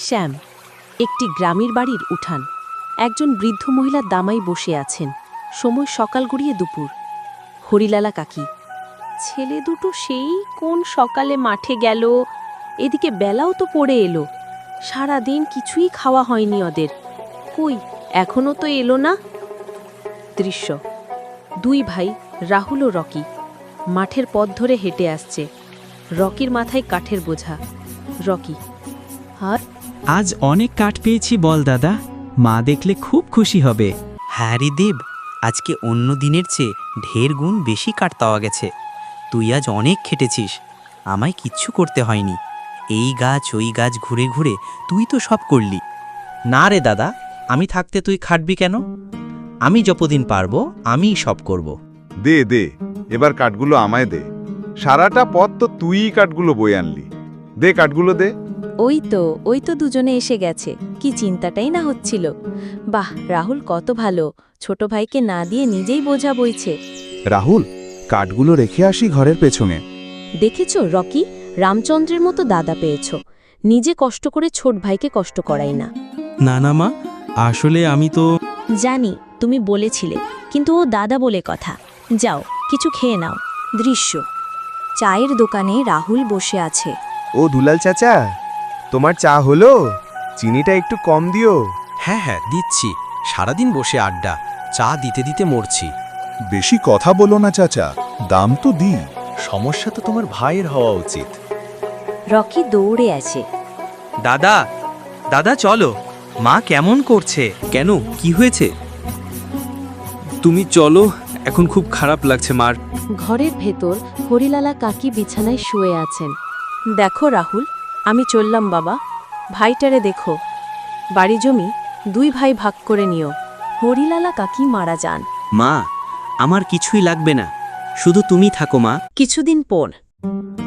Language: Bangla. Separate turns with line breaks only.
শ্যাম, একটি গ্রামের বাড়ির উঠান। একজন বৃদ্ধ মহিলা দামাই বসে আছেন। সময় সকাল গড়িয়ে দুপুর। হরিলালা কাকি, ছেলে দুটো সেই কোন সকালে মাঠে গেল, এদিকে বেলাও তো পড়ে এলো। সারা দিন কিছুই খাওয়া হয়নি ওদের। কই, এখনো তো এলো না। দৃশ্য, দুই ভাই রাহুল ও রকি মাঠের পথ ধরে হেঁটে আসছে। রকির মাথায় কাঠের বোঝা। রকি, আর
আজ অনেক কাঠ পেয়েছি বল দাদা, মা দেখলে খুব খুশি হবে।
হ্যাঁ রে দেব, আজকে অন্য দিনের চেয়ে ঢের গুণ বেশি কাঠ পাওয়া গেছে। তুই আজ অনেক খেটেছিস, আমায় কিচ্ছু করতে হয়নি। এই গাছ ওই গাছ ঘুরে ঘুরে তুই তো সব করলি।
না রে দাদা, আমি থাকতে তুই খাটবি কেন? আমি যতদিন পারবো আমিই সব করব।
দে দে, এবার কাঠগুলো আমায় দে। সারাটা পথ তো তুইই কাঠগুলো বয়ে আনলি। দে কাঠগুলো দে।
ওই তো দুজনে এসে গেছে। কি চিন্তাটাই না হচ্ছিল। বাহ, রাহুল কত ভালো, ছোট ভাইকে না দিয়ে নিজেই বোঝা বইছে।
রাহুল, কাঠগুলো রেখে আসি ঘরের পেছনে।
দেখেছো রকি, রামচন্দ্রের মতো দাদা পেয়েছো। নিজে কষ্ট করে ছোট ভাইকে কষ্ট করাই না।
না না মা, আসলে আমি তো
জানি তুমি বলেছিলে, কিন্তু ও দাদা বলে কথা। যাও, কিছু খেয়ে নাও। দৃশ্য, চায়ের দোকানে রাহুল বসে আছে।
ও দুলাল চাচা, তোমার চা হলো? চিনিটা একটু কম দিও।
হ্যাঁ হ্যাঁ দিচ্ছি, সারাদিন বসে আড্ডা, চা দিতে দিতে মরছি।
বেশি কথা বলো না চাচা, দাম তো দি।
সমস্যা তো তোমার ভাইয়ের হওয়া উচিত।
রকি দৌড়ে আছে।
দাদা, দাদা চলো, মা কেমন করছে?
কেন, কি হয়েছে? তুমি চলো, এখন খুব খারাপ লাগছে মার।
ঘরের ভেতর হরিলালা কাকি বিছানায় শুয়ে আছেন। দেখো রাহুল, আমি চললাম বাবা। ভাইটারে দেখো। বাড়ি জমি দুই ভাই ভাগ করে নিও। হরিলালা কাকি মারা যান।
মা, আমার কিছুই লাগবে না, শুধু তুমি থাকো মা।
কিছুদিন পর